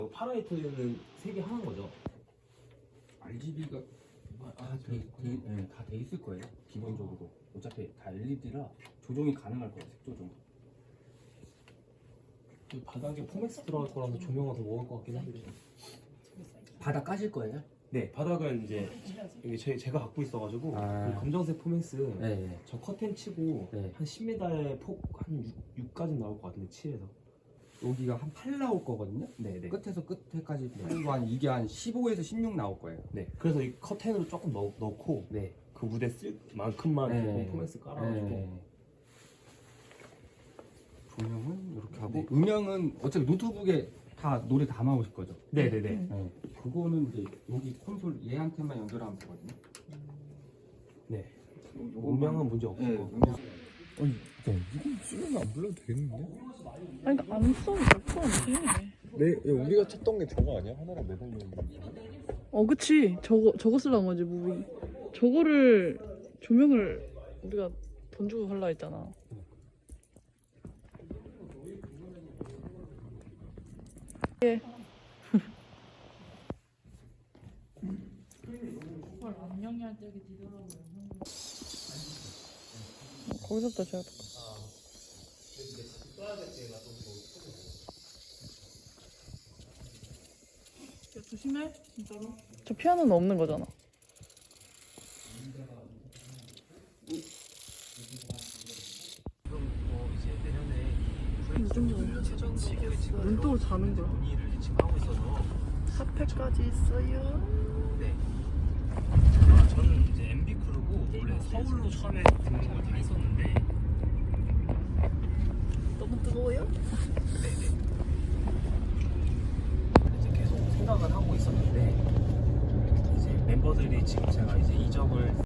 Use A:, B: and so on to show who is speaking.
A: 파라이트는 세 개 하는 거죠?
B: RGB가 다 돼 있을 거예요. 기본적으로 어차피 다 LED라 조정이 가능할 거예요. 색 조정.
A: 이 바닥에 포맥스 들어갈 거라서 조명을 더 먹을 것 같긴 한데.
B: 바닥 까실 거예요?
A: 네, 바닥은 이제 이게 제가 갖고 있어가지고 이 검정색 포맥스
B: 네.
A: 저 커튼 치고
B: 네.
A: 한 10m의 폭 한 6까지 나올 것 같은데 7에서.
B: 여기가 한 8 나올 거거든요.
A: 네네.
B: 끝에서 끝에까지 그리고 이게 한 15에서 16 나올 거예요.
A: 네. 그래서 이 커튼으로 조금 넣고
B: 네.
A: 그 무대 쓸 만큼만
B: 네.
A: 포맥스 깔아가지고.
B: 네. 조명은 이렇게 하고
A: 네.
B: 음향은 어차피 노트북에 다 노래 담아오실 거죠.
A: 네네네.
B: 네. 그거는 이제 여기 콘솔 얘한테만 연결하면 되거든요.
A: 네. 음향은 문제 없고.
B: 네, 음향.
C: 아니, 이건 쓰면 안 불러도 되겠는데?
D: 아니 그러니까 안 써도 될거 같아.
C: 우리가 찾던 게 저거 아니야? 하나랑 매달려 있는 거.
D: 그치. 저거 쓰려는 거지 무비. 저거를 조명을 우리가 돈 주고 살라 했잖아. 예. 거기서부터 제가 야, 조심해 진짜로. 저 피아노는 없는 거잖아. 눈독을 자는 거야. 사패까지 있어요.
A: 네. 저는 이제 MB 크루고 원래 서울로 처음에 등록을 다 했었는데.
D: 너무 뜨거워요?
A: 네네. 이제 계속 생각을 하고 있었는데 이제 멤버들이 지금 제가 이제 이적을